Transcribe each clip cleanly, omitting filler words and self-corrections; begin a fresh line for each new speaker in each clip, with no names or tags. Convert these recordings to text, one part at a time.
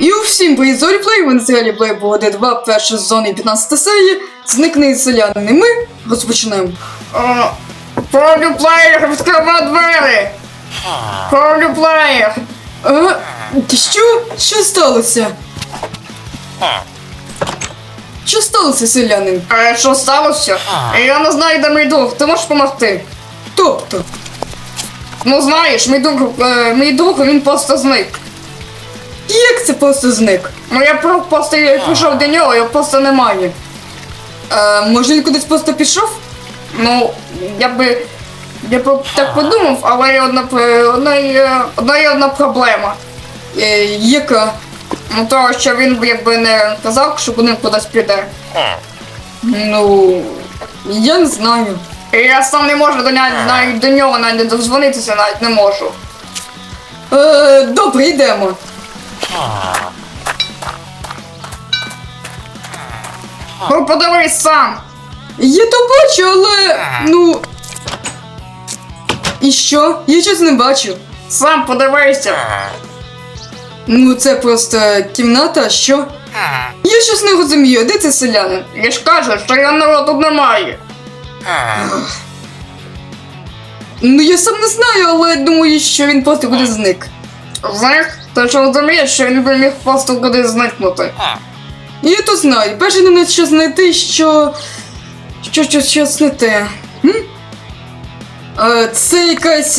І всім привіт з Оліплей, ви на серіалі Playboy 2, перша сезон і 15 серія. Зникне селянин, і ми розпочинаємо.
Оліплеєр, відкривай двері! Оліплеєр!
Що? Що сталося? Що сталося, селянин?
Що сталося? Я не знаю, де мій друг, ти можеш допомогти?
Тобто?
Ну знаєш, мій друг, він просто зник.
Як це просто зник?
Ну я просто пішов до нього, його просто немає.
Може він кудись просто пішов?
Ну, я б так подумав, але є одна проблема.
Яка?
Ну того, що він якби не казав, що він кудись піде.
Ну, я не знаю.
І я сам не можу до нього навіть дозвонитися, навіть не можу.
Добре, йдемо.
Ну подивись сам.
Я то бачу, але, ну... І що? Я щось не бачу.
Сам подивися.
Ну, це просто кімната, а що? Я щось не розумію, де це селянин?
Я ж кажу, що його тут немає.
Ну, я сам не знаю, але думаю, що він просто кудись зник.
Знаєш, ти ж розумієш, що він би міг просто кудись зникнути.
Я то знаю, перше не що знайти, щось не те. Це якась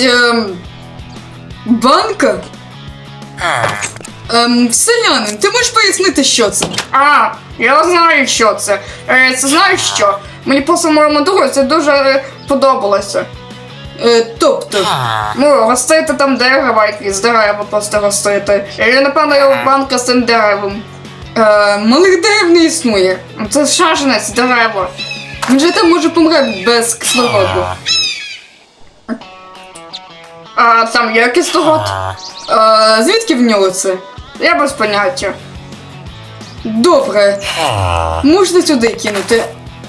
банка? Селянин, ти можеш пояснити, що це?
Я знаю, що це. Це знаєш що? Мені просто моєму другу це дуже подобалося.
Тобто?
Ну, ростити там дерева якісь, дерева просто ростити. І напевно його банка з цим деревом.
Малих дерев не існує.
Це шаженець дерева.
Він же там може помре без кислороду.
А там є кислород?
Звідки в нього це?
Я без поняття.
Добре. Можна сюди кинути.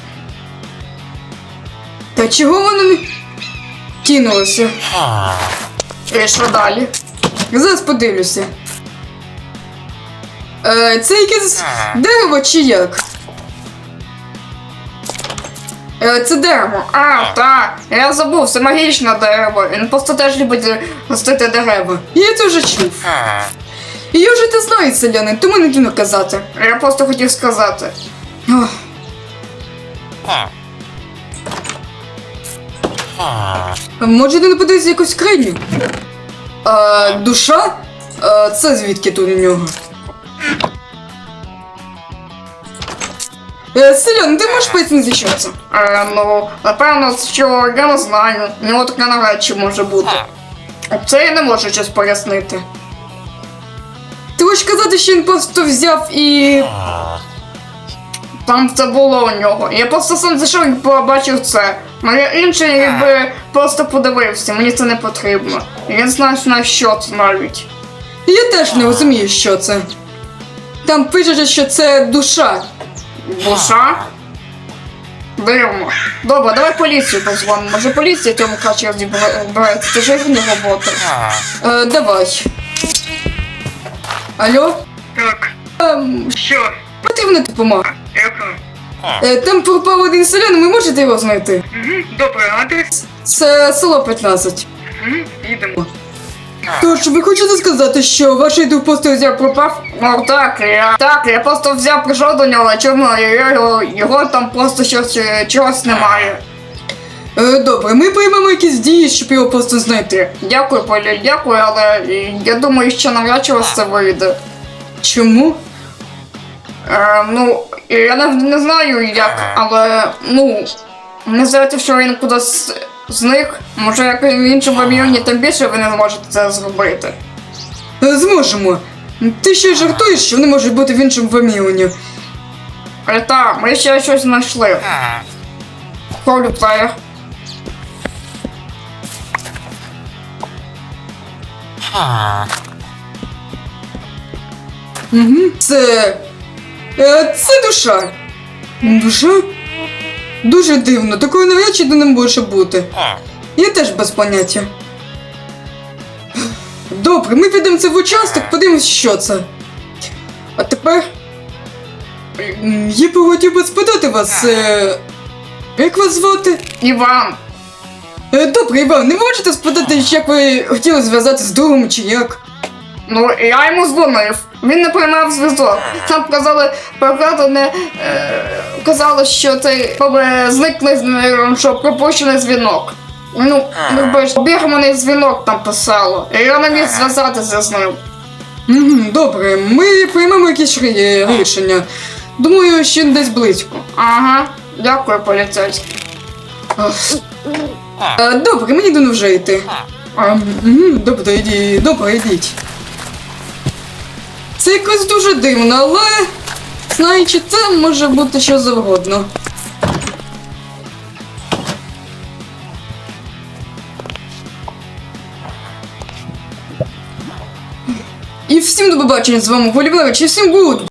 Та чого воно не кинулося?
І що далі?
Зараз подивлюся. Це якесь дерево чи як? Це дерево.
Так. Я забув, це магічне дерево. Він просто теж любить ростити дерева.
Я це вже чув. І я вже те знаю, селянин, тому не дивно казати.
Я просто хотів сказати.
Ох. Може не подивитися якусь скриню? Душа? Це звідки тут у нього? Селян, ти можеш пояснити, що це?
Ну, напевно, що я не знаю. У нього таке навряд чи може бути. Це я не можу щось пояснити.
Ти хочеш казати, що він просто взяв і...
Там це було у нього. Я просто сам зайшов і побачив це. Моє інше якби просто подивився, мені це не потрібно. Я не знаю, що це навіть.
Я теж не розумію, що це. Там пише, що це душа.
Душа? Дивно. Добре, давай поліцію позвонимо. Може поліція цьому краще розбирається, це ж їхня робота.
Давай. Алло?
Так, що?
Потрібна допомога.
Яка?
Там пропав один селянин, ви можете його знайти?
Добре, адрес?
Це село 15.
Їдемо.
Тож, ви хочете сказати, що ваш друг просто взяв пропав?
Ну так, я просто взяв, прийшов до нього, чому його там просто чогось немає.
Добре, ми приймемо якісь дії, щоб його просто знайти.
Дякую, Полі, дякую, але я думаю, що навряд чи у вас це вийде.
Чому?
Ну, я не знаю як, але, ну, мені здається, що він кудись зник. Може, як в іншому районі, тим більше ви не зможете це зробити.
Зможемо. Ти ще жартуєш, що вони можуть бути в іншому вимірюванні.
Так, ми ще щось знайшли. Оліплеєр.
Це душа. Душа? Дуже дивно, такої навряд чи не може бути. Я теж без поняття. Добре, ми підемо це в участок, подивимось, що це. А тепер я б хотів би спитати вас, як вас звати?
Іван.
Добре, Іван, не можете спитати, як ви хотіли зв'язатися з другом чи як?
Ну, я йому дзвонив. Він не приймав зв'язок. Там казали, перекладане, казали, що цей зникли з ним, що пропущений дзвінок. Ну, обірваний дзвінок там писало. І я не міг зв'язатися з ним.
Добре, ми приймемо якісь рішення. Думаю, ще десь близько.
Ага, дякую, поліцейський.
Добре, мені давно вже йти. Добре, йдіть. Це якось дуже дивно, але знаючи це, може бути що завгодно. І всім до побачення, з вами Голівлевич, і всім гуд!